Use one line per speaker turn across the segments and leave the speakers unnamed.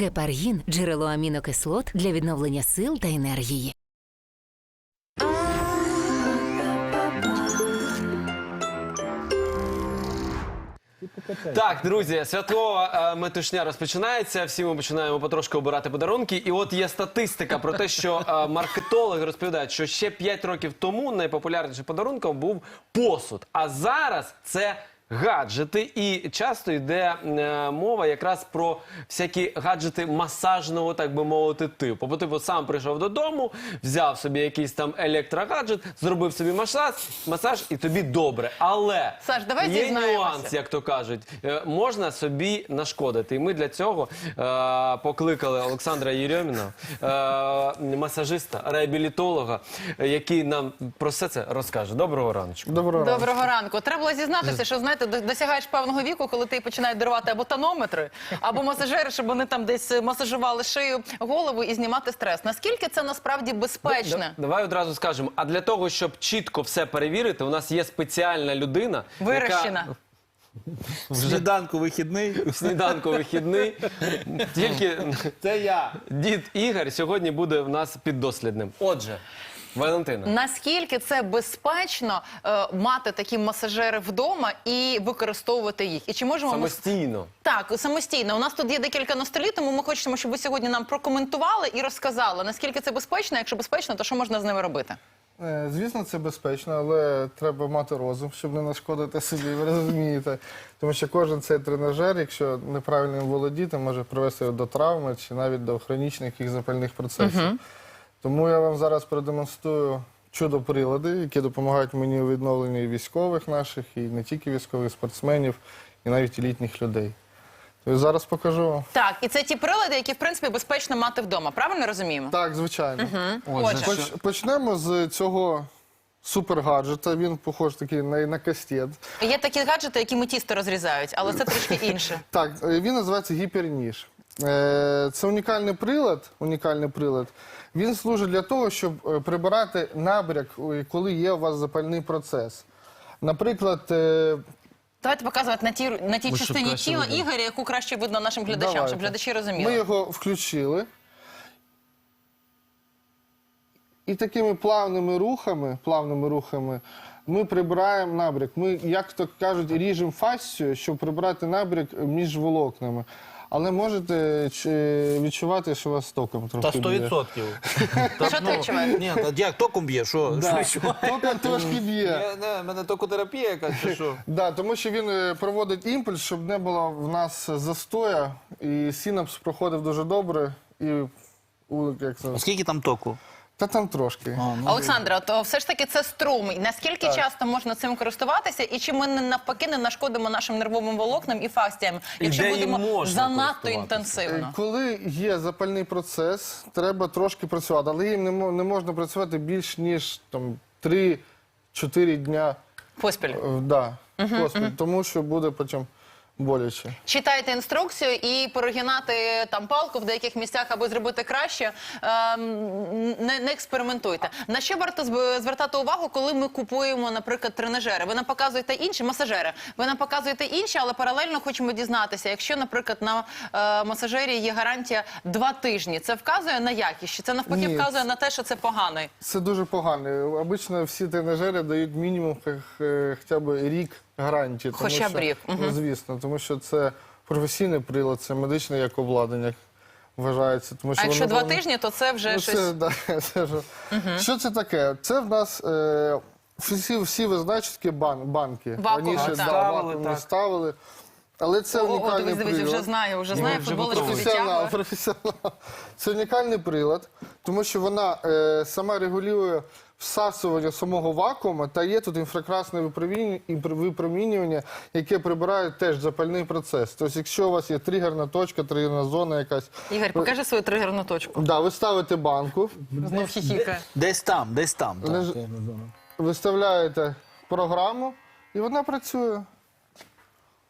Гепаргін – джерело амінокислот для відновлення сил та енергії.
Так, друзі, святкова метушня розпочинається. Всі ми починаємо потрошки обирати подарунки. І от є статистика про те, що маркетологи розповідають, що ще 5 років тому найпопулярнішим подарунком був посуд. А зараз це гаджети, і часто йде мова якраз про всякі гаджети масажного, так би мовити, типу. Бо ти сам прийшов додому, взяв собі якийсь там електрогаджет, зробив собі масаж і тобі добре. Але
Саш, давай
є
дізнаємося.
нюанс, як то кажуть. Можна собі нашкодити. І ми для цього покликали Олександра Єрьоміна, масажиста, реабілітолога, який нам про все це розкаже. Доброго раночку.
Доброго ранку. Треба було зізнатися, що, знаєте, досягаєш певного віку, коли ти починають дарувати або тонометри, або масажери, щоб вони там десь масажували шию, голову і знімати стрес. Наскільки це насправді безпечно?
Давай одразу скажемо. А для того, щоб чітко все перевірити, у нас є спеціальна людина,
Вирощена.
Сніданку вихідний.
Сніданку вихідний. Тільки
Це я.
дід Ігор сьогодні буде в нас піддослідним. Отже, Валентина.
Наскільки це безпечно мати такі масажери вдома і використовувати їх? І чи можемо
Самостійно.
Так, самостійно. У нас тут є декілька на столі, тому ми хочемо, щоб ви сьогодні нам прокоментували і розказали, наскільки це безпечно. Якщо безпечно, то що можна з ними робити?
Звісно, це безпечно, але треба мати розум, щоб не нашкодити собі, ви розумієте. Тому що кожен цей тренажер, якщо неправильно їм володіти, може привести до травми чи навіть до хронічних і запальних процесів. Тому я вам зараз продемонструю чудо-прилади, які допомагають мені у відновленні військових наших, і не тільки військових, спортсменів, і навіть і літніх людей. Тобто зараз покажу вам.
Так, і це ті прилади, які, в принципі, безпечно мати вдома. Правильно розуміємо?
Так, звичайно.
Отже.
Почнемо з цього супергаджета. Він похож такий на кастет.
Є такі гаджети, які тісто розрізають, але це трішки інше.
Так, він називається гіперніж. Це унікальний прилад. Він служить для того, щоб прибирати набряк, коли є у вас запальний процес. Наприклад,
Давайте показувати на тій частині тіла Ігоря, яку краще видно нашим глядачам,
давайте.
щоб глядачі розуміли.
Ми його включили. І такими плавними рухами ми прибираємо набряк. Ми, як то кажуть, ріжемо фасцію, щоб прибрати набряк між волокнами. Але можете відчувати, що вас током трохи б'є.
100%.
Що ти відчуваєш?
Ні, як током б'є? Що?
Током трошки б'є.
Мене токотерапія якась, чи що?
Да, тому що він проводить імпульс, щоб не було в нас застоя, і синапс проходив дуже добре. І, як це?
Скільки там току?
Та там трошки.
Олександра, то все ж таки це струм. Наскільки часто можна цим користуватися, і чи ми навпаки не нашкодимо нашим нервовим волокнам і фасціям, якщо
де їм
будемо
можна
занадто
користуватися?
інтенсивно?
Коли є запальний процес, треба трошки працювати, але їм не можна працювати більш ніж 3-4 дня
Поспіль.
поспіль, тому що буде потім боляче.
Читайте інструкцію і порогінати там палку в деяких місцях, аби зробити краще, не експериментуйте. На що варто звертати увагу, коли ми купуємо, наприклад, тренажери? Ви нам показуєте інші, масажери, ви нам показуєте інші, але паралельно хочемо дізнатися, якщо, наприклад, на масажері є гарантія 2 тижні, це вказує на якість? Чи це навпаки
Ні.
вказує на те, що це поганий?
Це дуже погано. Обично всі тренажери дають мінімум хоча б рік гарантії. тому
Хоча б
що-
рік.
Ну, звісно, тому що це професійний прилад, це медичне як обладнання вважається. Тому що
А якщо
воно
2 тижні, то це вже щось...
це ж... Що це таке? Це в нас всі ви знаєте, що таке банки.
Вакуумні,
Раніше
так.
вакуумні ставили. Але це унікальний
Дивись,
прилад.
вже знає футболочку
Професіонал,
відтягує.
Це унікальний прилад, тому що вона сама регулює всасування самого вакууму, та є тут інфракрасне випромінювання, яке прибирає теж запальний процес. Тобто, якщо у вас є тригерна точка, тригерна зона якась,
Ігор, покажи свою тригерну точку.
да, ви ставите банку,
Знов хіхікає.
Десь там. так.
виставляєте програму, і вона працює.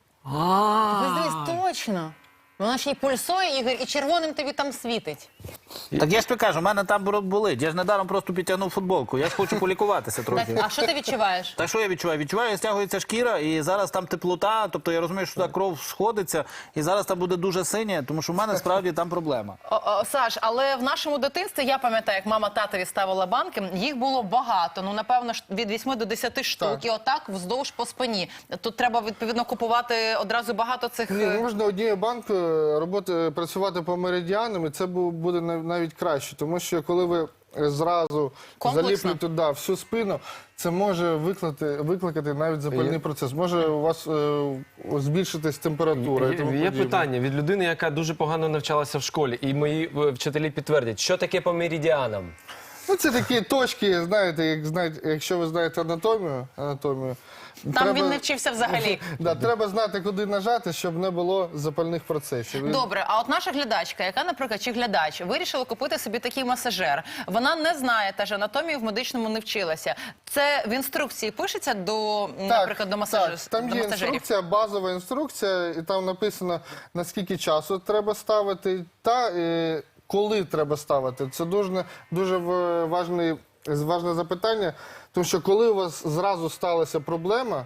Дивись, точно. Вона ще й пульсує, Ігор, і червоним тобі там світить.
Так я ж тобі кажу, у мене там болить. Я ж недаром просто підтягнув футболку. Я ж хочу полікуватися трохи.
А що ти відчуваєш?
Та що я відчуваю? Відчуваю, стягується шкіра, і зараз там теплота, тобто я розумію, що туди кров сходиться, і зараз там буде дуже синє, тому що в мене справді там проблема.
Саш, але в нашому дитинстві, я пам'ятаю, як мама татові ставила банки, їх було багато, ну, напевно, від 8 до 10 штук,
Так.
і отак вздовж по спині. Тут треба, відповідно, купувати одразу багато цих...
Ні, можна однією банкою працювати по меридіанам, і це буде навіть краще, тому що коли ви зразу
Комплексно.
заліплюєте всю спину, це може викликати навіть запальний процес. Може у вас збільшитись температура і тому
Є
подібне.
питання від людини, яка дуже погано навчалася в школі, і мої вчителі підтвердять, що таке по меридіанам?
Ну, це такі точки, знаєте, якщо ви знаєте анатомію.
Там він не вчився взагалі.
Да, треба знати, куди нажати, щоб не було запальних процесів.
Добре, а от наша глядачка, яка, наприклад, чи глядач, вирішила купити собі такий масажер. Вона не знає, теж анатомію в медичному не вчилася. Це в інструкції пишеться до, наприклад, до масажерів?
Там є інструкція, базова інструкція, і там написано, наскільки часу треба ставити та коли треба ставити. Це дуже важне запитання, тому що коли у вас зразу сталася проблема,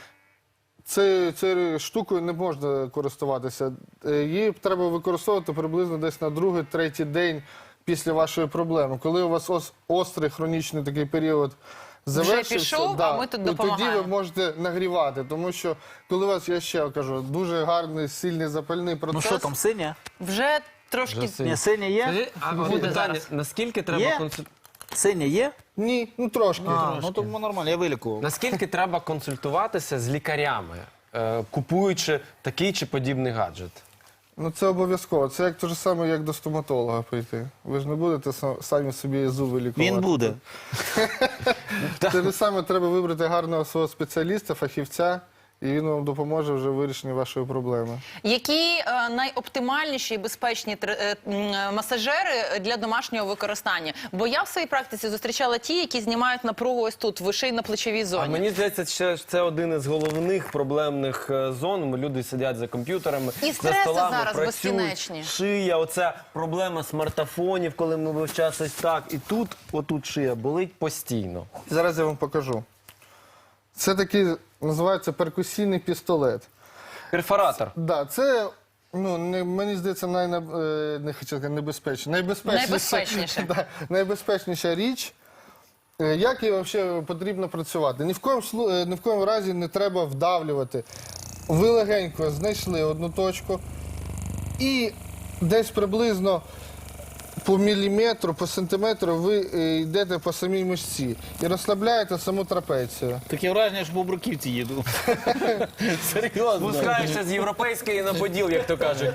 цією штукою не можна користуватися. Її треба використовувати приблизно десь на 2-3 день після вашої проблеми. Коли у вас острий хронічний такий період завершився,
пішов, а ми тут
тоді
допомагаємо.
ви можете нагрівати, тому що коли у вас, я ще кажу, дуже гарний, сильний запальний процес.
Ну що там, синя?
Вже трошки...
Ні, синя є?
Скажи, а от
Буде
питання,
зараз.
наскільки треба
Є?
Синя є? Ні, ну трошки.
Ну тому нормально, я вилікував.
Наскільки треба консультуватися з лікарями, купуючи такий чи подібний гаджет?
Ну це обов'язково. Це як те ж саме, як до стоматолога прийти. Ви ж не будете самі собі зуби лікувати.
Він буде.
Те ж саме треба вибрати гарного свого спеціаліста, фахівця, і він вам допоможе вже в вирішенні вашої проблеми.
Які найоптимальніші і безпечні масажери для домашнього використання? Бо я в своїй практиці зустрічала ті, які знімають напругу ось тут, в шийно-плечовій
А
зоні.
мені здається, що це один із головних проблемних зон. Люди сидять за комп'ютерами,
І
за
стреси
столами,
зараз
працюють,
безкінечні.
шия, оця проблема смартфонів, коли ми весь час ось так. І тут, отут шия болить постійно.
Зараз я вам покажу. Це такий, називається перкусійний пістолет.
Перфоратор.
Да, це, мені здається,
Найбезпечніше.
Да, найбезпечніша річ. Як її взагалі потрібно працювати? Ні в коєму разі не треба вдавлювати. Ви легенько знайшли одну точку і десь приблизно по міліметру, по сантиметру ви йдете по самій мишці і розслабляєте саму трапецію.
Таке враження, що по бруківці їду. Серйозно.
Спускаєшся з європейської на поділ, як то кажуть.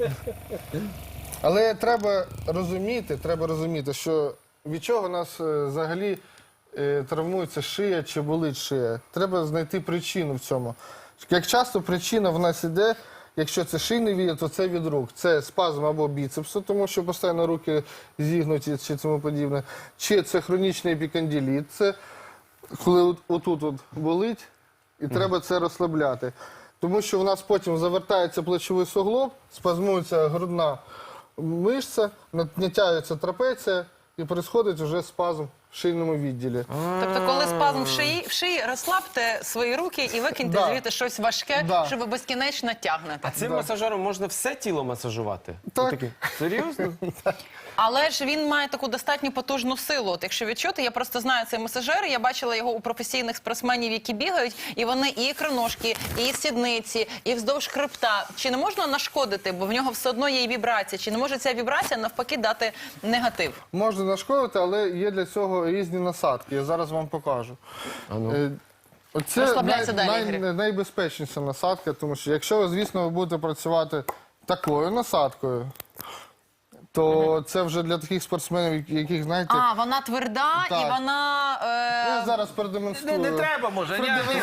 Але треба розуміти, що від чого нас взагалі травмується шия чи болить шия. Треба знайти причину в цьому. Як часто причина в нас іде, якщо це шийний відділ, то це від рук. Це спазм або біцепсу, тому що постійно руки зігнуті чи тому подібне. Чи це хронічний епікондиліт, це коли отут болить, і треба це розслабляти. Тому що в нас потім завертається плечовий суглоб, спазмується грудна мишця, натягується трапеція і відбувається вже спазм в шийному відділі.
Тобто, коли спазм в шиї, розслабте свої руки і викиньте
Да.
звідти щось важке,
Да.
що ви безкінечно тягнете.
А цим масажером можна все тіло масажувати?
Так.
Отаке. Серйозно?
Але ж він має таку достатньо потужну силу. От якщо відчути, я просто знаю цей масажер, я бачила його у професійних спортсменів, які бігають, і вони і ікроножки, і сідниці, і вздовж хребта. Чи не можна нашкодити, бо в нього все одно є і вібрація? Чи не може ця вібрація навпаки дати негатив?
Можна нашкодити, але є для цього різні насадки. Я зараз вам покажу. Це
Розслабляйся далі, Ігорю.
найбезпечніша насадка, тому що якщо ви, звісно, ви будете працювати такою насадкою, то це вже для таких спортсменів, яких, знаєте,
А, вона тверда
Так.
і вона...
я зараз продемонструю.
Не треба, може.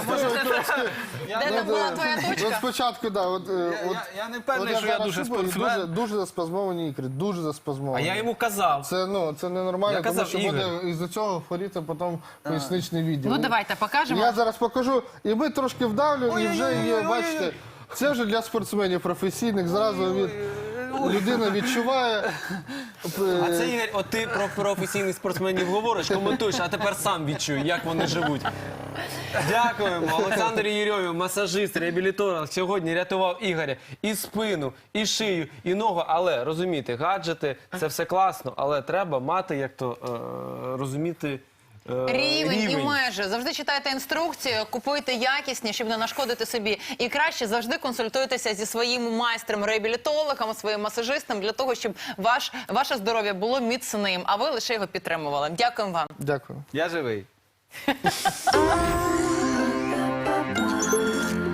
Де там була твоя
От
точка?
спочатку, да,
Я не впевнений,
от
що я
зараз
дуже
чую, і
спортсмен.
дуже заспазмовані ікри, дуже
А
заспазмовані.
я йому казав.
Це ненормально,
Я казав,
тому що
Ігор.
буде із-за цього хворіти потім поясничний відділ.
Ну, давайте покажемо.
Я зараз покажу, і ми трошки вдавлюємо, і вже є, бачите, це вже для спортсменів професійних, зразу людина відчуває,
А це, Ігор, от ти про професійних спортсменів говориш, коментуєш, а тепер сам відчуй, як вони живуть. Дякуємо. Олександр Єрьомін, масажист, реабілітолог, сьогодні рятував Ігоря і спину, і шию, і ногу. Але, розумієте, гаджети – це все класно, але треба мати, як то, розуміти,
Рівень і межі. Завжди читайте інструкцію, купуйте якісні, щоб не нашкодити собі. І краще завжди консультуйтеся зі своїм майстром, реабілітологом, своїм масажистом, для того, щоб ваше здоров'я було міцним, а ви лише його підтримували. Дякуємо вам.
Дякую.
Я живий.